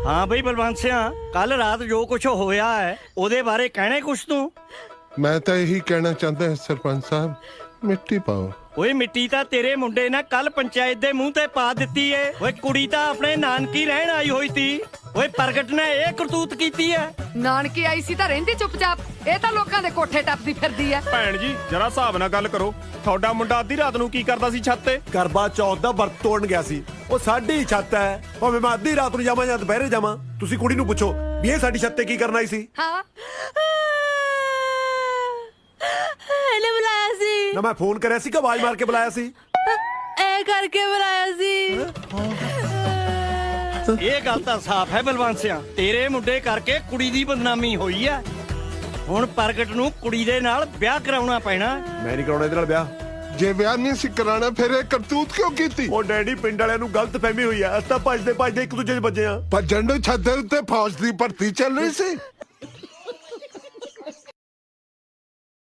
हाँ बई बलवंत सिंह, कल रात जो कुछ होया है ओदे बारे कहने कुछ तू? मैं तो यही कहना चाहता है सरपंच साहब, मिट्टी पाओ। ओए मिट्टी ਤਾਂ ਤੇਰੇ ਮੁੰਡੇ ਨੇ ਕੱਲ ਪੰਚਾਇਤ ਦੇ ਮੂੰਹ ਤੇ ਪਾ ਦਿੱਤੀ ਏ। ਓਏ ਕੁੜੀ ਤਾਂ ਆਪਣੇ ਨਾਨਕੀ ਰਹਿਣ ਆਈ ਹੋਈ ਸੀ। ਓਏ ਪ੍ਰਗਟ ਨੇ ਇਹ ਕਰਤੂਤ ਕੀਤੀ ਹੈ। ਨਾਨਕੀ ਆਈ ਸੀ ਤਾਂ ਰਹਿੰਦੀ ਚੁੱਪਚਾਪ, ਇਹ ਤਾਂ ਲੋਕਾਂ ਦੇ ਕੋਠੇ ਟੱਪਦੀ ਫਿਰਦੀ ਐ। ਭੈਣ ਜੀ ਜਰਾ ਹਿਸਾਬ ਨਾਲ ਗੱਲ ਕਰੋ। ਤੁਹਾਡਾ ਮੁੰਡਾ ਅੱਧੀ ਰਾਤ ਨੂੰ ਕੀ ਕਰਦਾ ਸੀ ਛੱਤ ਤੇ? ਕਰਵਾ ਚੌਥ ਦਾ ਵਰਤ ਤੋੜਨ ਗਿਆ ਸੀ। ਉਹ ਸਾਡੀ ਛੱਤ ਹੈ, ਭਾਵੇਂ ਮੈਂ ਅੱਧੀ ਰਾਤ ਨੂੰ ਜਾਵਾਂ ਜਾਂ ਦੁਪਹਿਰੇ ਜਾਵਾਂ। ਤੁਸੀਂ ਕੁੜੀ ਨੂੰ ਪੁੱਛੋ ਵੀ ਇਹ ਸਾਡੀ ਛੱਤ ਤੇ ਕੀ ਕਰਨ ਆਈ ਸੀ। ਹਾਂ ਇਹਨੇ ਬੁਲਾਇਆ ਸੀ ਨਾ ਮੈਂ ਫੋਨ ਕਰਿਆ ਸੀ ਕਿ ਆਵਾਜ਼ ਮਾਰ ਕੇ ਬੁਲਾਇਆ ਸੀ? ਇਹ ਕਰਕੇ ਬੁਲਾਇਆ ਸੀ। ਇਹ ਗੱਲ ਤਾਂ ਸਾਫ਼ ਹੈ ਬਲਵੰਤ ਸਿਆ, ਤੇਰੇ ਮੁੰਡੇ ਕਰਕੇ ਕੁੜੀ ਦੀ ਬਦਨਾਮੀ ਹੋਈ ਹੈ। ਹੁਣ ਪ੍ਰਗਟ ਨੂੰ ਕੁੜੀ ਦੇ ਨਾਲ ਵਿਆਹ ਕਰਾਉਣਾ ਪੈਣਾ। ਮੈਂ ਨਹੀਂ ਕਰਾਉਣਾ ਇਹਦੇ ਨਾਲ ਵਿਆਹ। जे ब्याह नहीं सी कराना फिर ये करतूत क्यों की थी? ਉਹ ਡੈਡੀ ਪਿੰਡ ਵਾਲਿਆਂ ਨੂੰ ਗਲਤ ਫਹਿਮੀ ਹੋਈ ਆ। ਅਸੀਂ ਤਾਂ ਭੱਜਦੇ ਭੱਜਦੇ ਇੱਕ ਦੂਜੇ 'ਚ ਵੱਜੇ ਆ। पर झंडू छत दे उत्ते फौज दी भर्ती चल रही सी।